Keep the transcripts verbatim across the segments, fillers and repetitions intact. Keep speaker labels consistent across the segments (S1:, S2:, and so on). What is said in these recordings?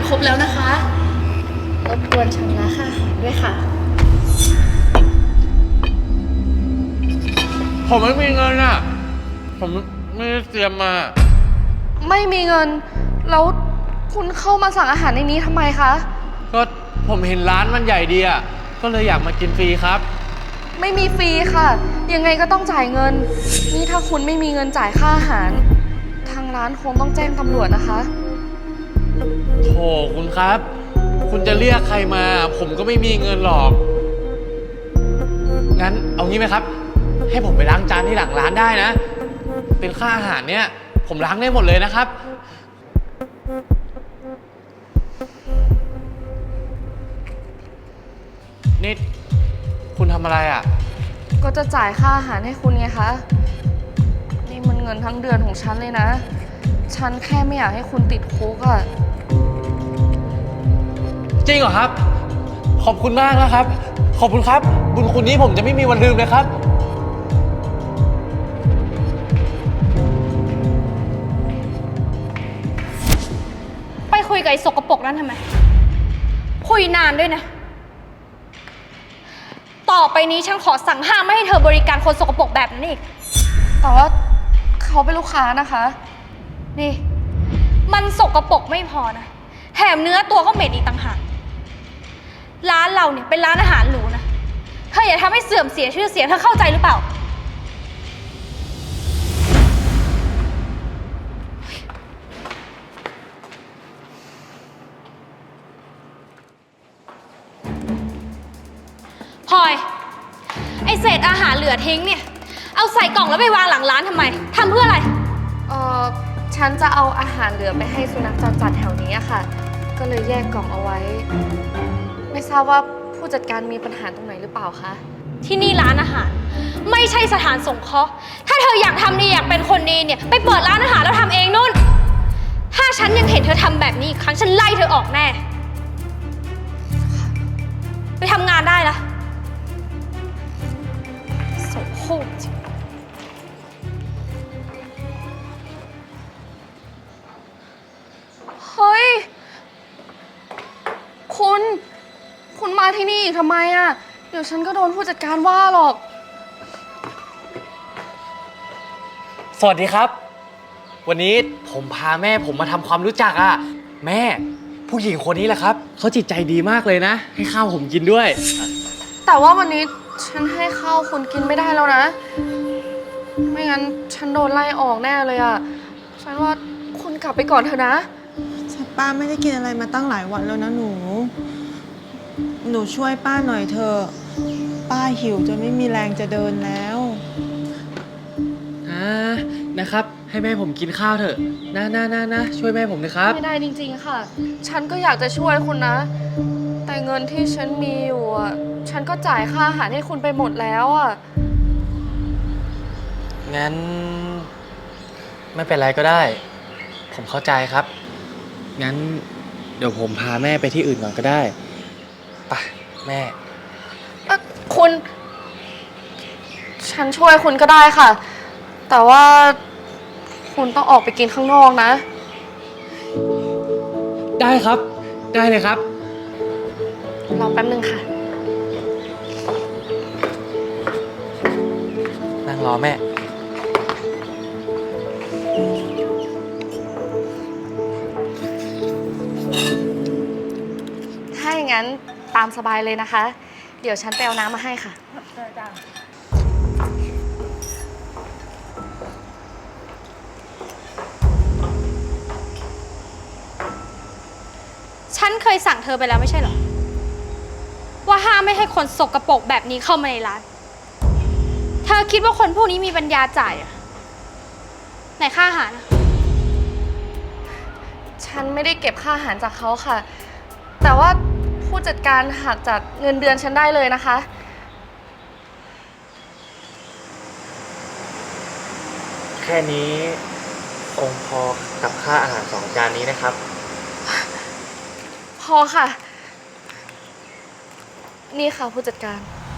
S1: ครบแล้วนะคะรบกวนชำระค่าอาหารด้วยค่ะ
S2: ผมไม่มีเงินอ่ะผมไม่ได้เตรียมมา
S1: ไม่มีเงินแล้วคุณเข้ามาสั่งอาหารในนี้ทำไมคะ
S2: ก็ผมเห็นร้านมันใหญ่ดีอ่ะก็เลยอยากมากินฟรีครับ
S1: ไม่มีฟรีค่ะยังไงก็ต้องจ่ายเงินนี่ถ้าคุณไม่มีเงินจ่ายค่าอาหารทางร้านคงต้องแจ้งตำรวจนะคะ
S2: โถคุณครับคุณจะเรียกใครมาผมก็ไม่มีเงินหรอกงั้นเอางี้ไหมครับให้ผมไปล้างจานที่หลังร้านได้นะเป็นค่าอาหารเนี่ยผมล้างได้หมดเลยนะครับนี่คุณทำอะไรอ่ะ
S1: ก็จะจ่ายค่าอาหารให้คุณไงคะนี่มันเงินทั้งเดือนของฉันเลยนะฉันแค่ไม่อยากให้คุณติดคุกอะ
S2: จริงเหรอครับขอบคุณมากนะครับขอบคุณครับบุญคุณนี้ผมจะไม่มีวันลืมเลยครับ
S3: ไปคุยกับไอ้สกปรกนั่นทำไมคุยนานด้วยนะต่อไปนี้ฉันขอสั่งห้ามไม่ให้เธอบริการคนสกปรกแบบนั้นอีก
S1: แต่ว่าเขาเป็นลูกค้านะคะ
S3: นี่มันสกปรกไม่พอนะแถมเนื้อตัวก็เหม็นอีกต่างหากร้านเราเนี่ยเป็นร้านอาหารหรูนะเธออย่าทำให้เสื่อมเสียชื่อเสียงเธอเข้าใจหรือเปล่าพลอยไอเศษอาหารเหลือทิ้งเนี่ยเอาใส่กล่องแล้วไปวางหลังร้านทำไมทำเพื่ออะไร
S1: เออฉันจะเอาอาหารเหลือไปให้สุนัขจรจัดแถวนี้อะค่ะก็เลยแยกกล่องเอาไว้ไม่ทราบว่าผู้จัดการมีปัญหาตรงไหนหรือเปล่าคะ
S3: ที่นี่ร้านอาหารไม่ใช่สถานสงเคราะห์ถ้าเธออยากทำดีอยากเป็นคนดีเนี่ยไปเปิดร้านอาหารแล้วทำเองนู่นถ้าฉันยังเห็นเธอทำแบบนี้อีกครั้งฉันไล่เธอออกแน่ไปทำงานได้ละโสโครกจริง
S1: เฮ้ยคุณคุณมาที่นี่อีกทำไมอะเดี๋ยวฉันก็โดนผู้จัดการว่าหรอก
S2: สวัสดีครับวันนี้ผมพาแม่ผมมาทำความรู้จักอ่ะแม่ผู้หญิงคนนี้แหละครับเขาจิตใจดีมากเลยนะให้ข้าวผมกินด้วย
S1: แต่ว่าวันนี้ฉันให้ข้าวคุณกินไม่ได้แล้วนะไม่งั้นฉันโดนไล่ออกแน่เลยอะฉันว่าคุณกลับไปก่อนเถอะนะ
S4: แต่ป้าไม่ได้กินอะไรมาตั้งหลายวันแล้วนะหนูหนูช่วยป้าหน่อยเถอะป้าหิวจนไม่มีแรงจะเดินแล้ว
S2: อ่านะครับให้แม่ผมกินข้าวเถอะนะนะนะนะช่วยแม่ผมนะครับ
S1: ไม่ได้จริงๆค่ะฉันก็อยากจะช่วยคุณนะแต่เงินที่ฉันมีอยู่อ่ะฉันก็จ่ายค่าอาหารให้คุณไปหมดแล้วอ่ะ
S2: งั้นไม่เป็นไรก็ได้ผมเข้าใจครับงั้นเดี๋ยวผมพาแม่ไปที่อื่นก่อนก็ได้ไปแม่
S1: เอ่อคุณฉันช่วยคุณก็ได้ค่ะแต่ว่าคุณต้องออกไปกินข้างนอกนะ
S2: ได้ครับได้เลยครับ
S1: รอแป๊บนึงค่ะ
S2: นั่งรอแม่
S1: ถ้าอย่างนั้นตามสบายเลยนะคะเดี๋ยวฉันไปเอาน้ำมาให้ค่ะ
S3: ฉันเคยสั่งเธอไปแล้วไม่ใช่เหรอว่าห้ามไม่ให้คนสกปรกแบบนี้เข้ามาในร้านเธอคิดว่าคนพวกนี้มีปัญญาจ่ายเหรอไหนค่าอาหาร
S1: ฉันไม่ได้เก็บค่าอาหารจากเขาค่ะแต่ว่าผู้จัดการหักจากเงินเดือนฉันได้เลยนะคะ
S2: แค่นี้คงพอกับค่าอาหารสองจานนี้นะครับ
S1: พอค่ะนี่ค่ะผู้จัดการ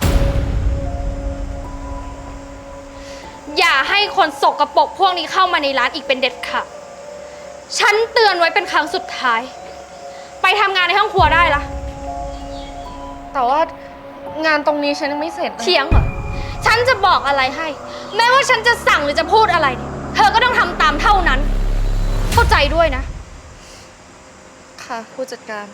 S3: อย่าให้คนสกปรกพวกนี้เข้ามาในร้านอีกเป็นเด็ดขาดฉันเตือนไว้เป็นครั้งสุดท้ายไปทำงานในห้องครัวได้ละ
S1: แต่ว่างานตรงนี้ฉันยังไม่เสร็จนะ
S3: เถียงเหรอ ฉันจะบอกอะไรให้ แม้ว่าฉันจะสั่งหรือจะพูดอะไรเนี่ยเธอก็ต้องทำตามเท่านั้น เข้าใจด้วยนะ
S1: ค่ะ ผู้จัดการ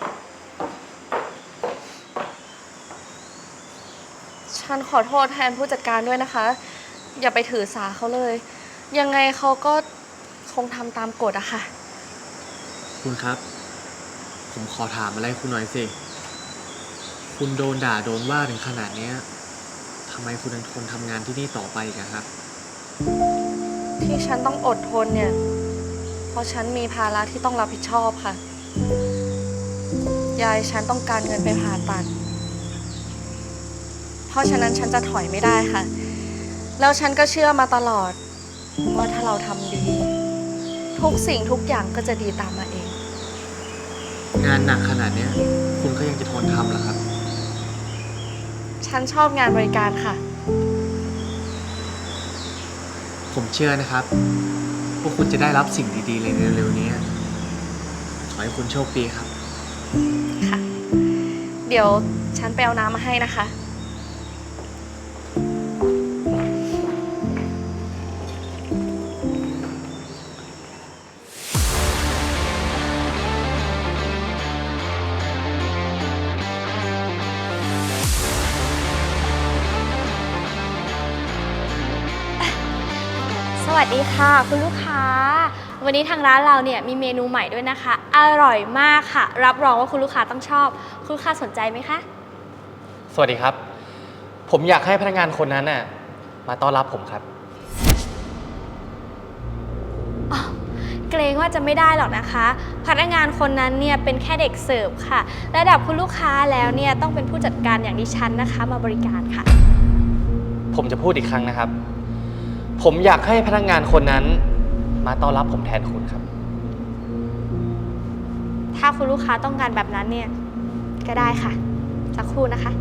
S1: ฉันขอโทษแทนผู้จัดการด้วยนะคะ อย่าไปถือสาเขาเลย ยังไงเขาก็คงทำตามกฎอะค่ะ
S2: คุณครับ ผมขอถามอะไรคุณหน่อยสิ คุณโดนด่าโดนว่าถึงขนาดเนี้ยทำไมคุณยังทนทำงานที่นี่ต่อไปอีกอะครับ
S1: ที่ฉันต้องอดทนเนี่ย เพราะฉันมีภาระที่ต้องรับผิดชอบค่ะ ยายฉันต้องการเงินไปผ่าตัด เพราะฉะนั้นฉันจะถอยไม่ได้ค่ะ แล้วฉันก็เชื่อมาตลอด ว่าถ้าเราทำดี ทุกสิ่งทุกอย่างก็จะดีตามมาเอง
S2: งานหนักขนาดเนี้ยคุณก็ยังจะทนทำเหรอครับ
S1: ฉันชอบงานบริการค่ะ
S2: ผมเชื่อนะครับว่าคุณจะได้รับสิ่งดีๆเลยเร็วๆนี้ ขอให้คุณโชคดีครับ
S1: ค่ะ เดี๋ยวฉันไปเอาน้ำมาให้นะคะ
S3: สวัสดีค่ะคุณลูกค้า วันนี้ทางร้านเราเนี่ยมีเมนูใหม่ด้วยนะคะ อร่อยมากค่ะ รับรองว่าคุณลูกค้าต้องชอบ คุณลูกค้าสนใจไหมคะ
S2: สวัสดีครับ ผมอยากให้พนักงานคนนั้นน่ะมาต้อนรับผมครับ
S3: อ๋อ เกรงว่าจะไม่ได้หรอกนะคะ พนักงานคนนั้นเนี่ยเป็นแค่เด็กเสิร์ฟค่ะ ระดับคุณลูกค้าแล้วเนี่ยต้องเป็นผู้จัดการอย่างดิฉันนะคะมาบริการค่ะ
S2: ผมจะพูดอีกครั้งนะครับ ผมอยากให้พนักงานคนนั้นมาต้อนรับผมแทนคุณครับ
S3: ถ้าคุณลูกค้าต้องการแบบนั้นเนี่ยก็ได้ค่ะ สักครู่นะคะ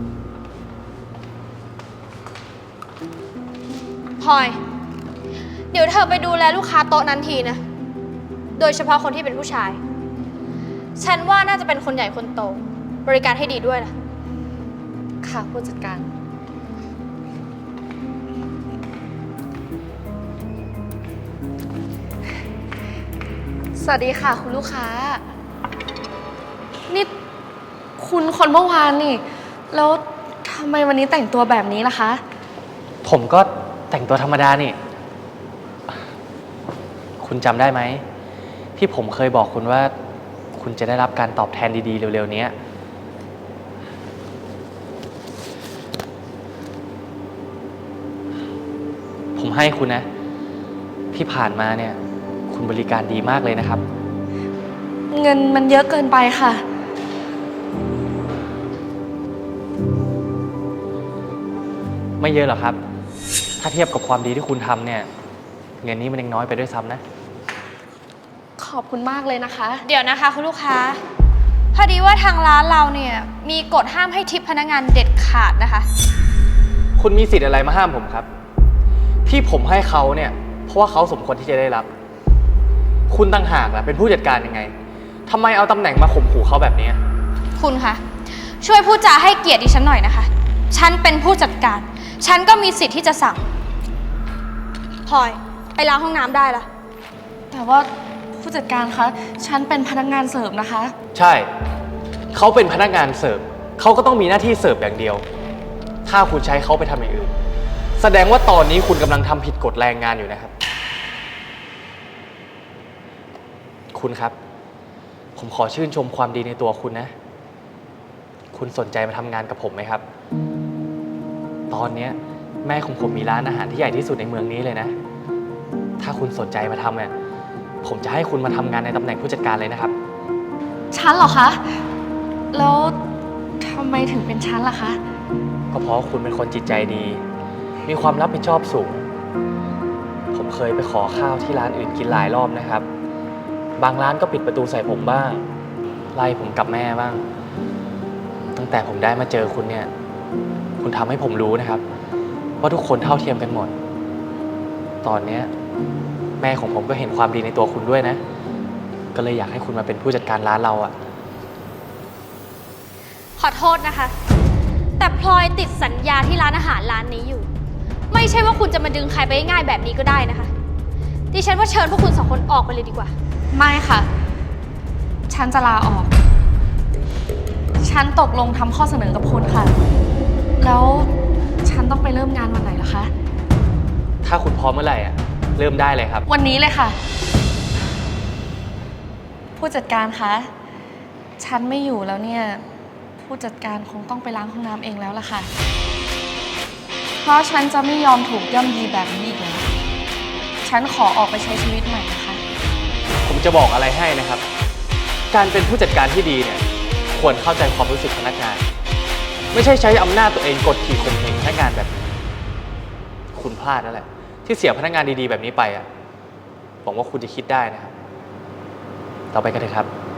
S3: พลอย เดี๋ยวเธอไปดูแลลูกค้าโต๊ะนั้นทีนะ โดยเฉพาะคนที่เป็นผู้ชาย ฉันว่าน่าจะเป็นคนใหญ่คนโต บริการให้ดีด้วยล่ะ
S1: ค่ะผู้จัดการ สวัสดีค่ะคุณลูกค้า นี่คุณคนเมื่อวานนี่ แล้วทำไมวันนี้แต่งตัวแบบนี้ล่ะคะ
S2: ผมก็แต่งตัวธรรมดานี่ คุณจำได้ไหม ที่ผมเคยบอกคุณว่า คุณจะได้รับการตอบแทนดีๆ เร็วๆนี้ ผมให้คุณนะ ที่ผ่านมาเนี่ย คุณบริการดีมากเลยนะครับ
S1: เงินมันเยอะเกินไปค่ะ
S2: ไม่เยอะหรอกครับ ถ้าเทียบกับความดีที่คุณทำเนี่ย เงินนี้มันยังน้อยไปด้วยซ้ำนะ
S1: ขอบคุณมากเลยนะคะ
S3: เดี๋ยวนะคะคุณลูกค้า พอดีว่าทางร้านเราเนี่ยมีกฎห้ามให้ทิปพนักงานเด็ดขาดนะคะ
S2: คุณมีสิทธิ์อะไรมาห้ามผมครับ ที่ผมให้เขาเนี่ย เพราะว่าเขาสมควรที่จะได้รับ คุณต่างหากล่ะเป็นผู้จัดการยังไงทำไมเอาตำแหน่งมาข่มขู่เขาแบบนี้
S3: คุณคะช่วยพูดจาให้เกียรติดิฉันหน่อยนะคะ ฉันเป็นผู้จัดการ ฉันก็มีสิทธิ์ที่จะสั่งพลอยไปล้างห้องน้ำได้ละ
S1: แต่ว่าผู้จัดการคะ ฉันเป็นพนักงานเสิร์ฟนะคะ
S2: ใช่ เขาเป็นพนักงานเสิร์ฟเขาก็ต้องมีหน้าที่เสิร์ฟอย่างเดียว ถ้าคุณใช้เขาไปทำอย่างอื่น แสดงว่าตอนนี้คุณกำลังทำผิดกฎแรงงานอยู่นะครับ คุณครับ ผมขอชื่นชมความดีในตัวคุณนะ คุณสนใจมาทำงานกับผมไหมครับ ตอนนี้แม่ของผมมีร้านอาหารที่ใหญ่ที่สุดในเมืองนี้เลยนะ ถ้าคุณสนใจมาทำเนี่ยผมจะให้คุณมาทำงานในตำแหน่งผู้จัดการเลยนะครับ
S1: ฉันเหรอคะ แล้วทำไมถึงเป็นฉันล่ะคะ
S2: ก็เพราะคุณเป็นคนจิตใจดี มีความรับผิดชอบสูง ผมเคยไปขอข้าวที่ร้านอื่นกินหลายรอบนะครับ บางร้านก็ปิดประตูใส่ผมบ้าง ไล่ผมกับแม่บ้าง ตั้งแต่ผมได้มาเจอคุณเนี่ย คุณทำให้ผมรู้นะครับ ว่าทุกคนเท่าเทียมกันหมด ตอนเนี้ยแม่ของผมก็เห็นความดีในตัวคุณด้วยนะก็เลยอยากให้คุณมาเป็นผู้จัดการร้านเราอะ
S3: ขอโทษนะคะ แต่พลอยติดสัญญาที่ร้านอาหารร้านนี้อยู่ ไม่ใช่ว่าคุณจะมาดึงใครไปง่ายๆแบบนี้ก็ได้นะคะ ดิฉันว่าเชิญพวกคุณสองคนออกไปเลยดีกว่า
S1: ไม่ค่ะ ฉันจะลาออก ฉันตกลงทำข้อเสนอกับคุณค่ะ แล้วฉันต้องไปเริ่มงานวันไหนล่ะคะ
S2: ถ้าคุณพร้อมเมื่อไหร่อะเริ่มได้เลยครับ
S1: วันนี้เลยค่ะ ผู้จัดการคะ ฉันไม่อยู่แล้วเนี่ย ผู้จัดการคงต้องไปล้างห้องน้ำเองแล้วล่ะค่ะ เพราะฉันจะไม่ยอมถูกย่ำยีแบบนี้อีกแล้ว ฉันขอออกไปใช้ชีวิตใหม่นะคะ
S2: ผมจะบอกอะไรให้นะครับ การเป็นผู้จัดการที่ดีเนี่ยควรเข้าใจความรู้สึกพนักงาน ไม่ใช่ใช้อำนาจตัวเองกดขี่ข่มเหงพนักงานแบบนี้คุณพลาดนั่นแหละ ที่เสียพนักงานดีๆแบบนี้ไปอ่ะหวังว่าคุณจะคิดได้นะครับ ต่อไปกันเถอะครับ